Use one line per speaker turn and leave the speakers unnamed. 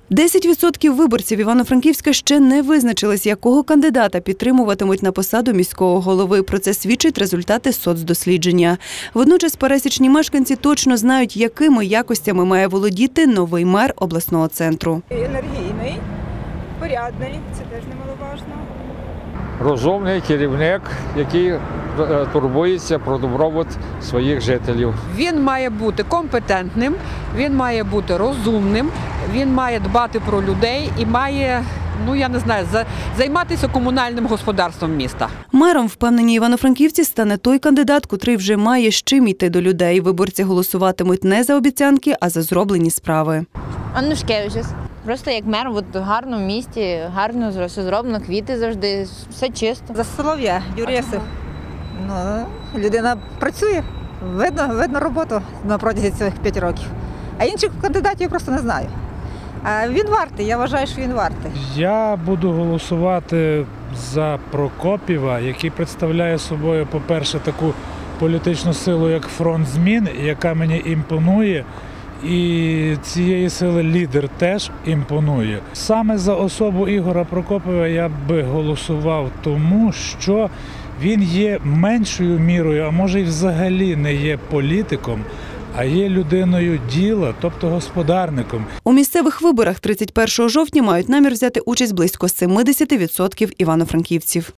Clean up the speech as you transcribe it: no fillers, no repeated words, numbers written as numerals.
10% виборців Івано-Франківська ще не визначились, якого кандидата підтримуватимуть на посаду міського голови. Про це свідчать результати соцдослідження. Водночас пересічні мешканці точно знають, якими якостями має володіти новий мер обласного центру.
Енергійний, порядний, це теж немаловажно.
Розумний керівник, який турбується про добробут своїх жителів.
Він має бути компетентним, він має бути розумним, він має дбати про людей і має, займатися комунальним господарством міста.
Мером, впевнені івано-франківці, стане той кандидат, котрий вже має з чим йти до людей. Виборці голосуватимуть не за обіцянки, а за зроблені справи.
Аннушкевич. Просто як мер, в гарному місті, гарно все зроблено, квіти завжди, все чисто.
За Солов'я, Юрєсов. Людина працює, видно роботу на протязі цих 5 років. А інших кандидатів я просто не знаю. А він вартий, я вважаю, що він вартий.
Я буду голосувати за Прокопєва, який представляє собою, по-перше, таку політичну силу, як фронт змін, яка мені імпонує. І цієї сили лідер теж імпонує. Саме за особу Ігоря Прокопєва я би голосував, тому що він є меншою мірою, а може й взагалі не є політиком, а є людиною діла, тобто господарником.
У місцевих виборах 31 жовтня мають намір взяти участь близько 70% івано-франківців.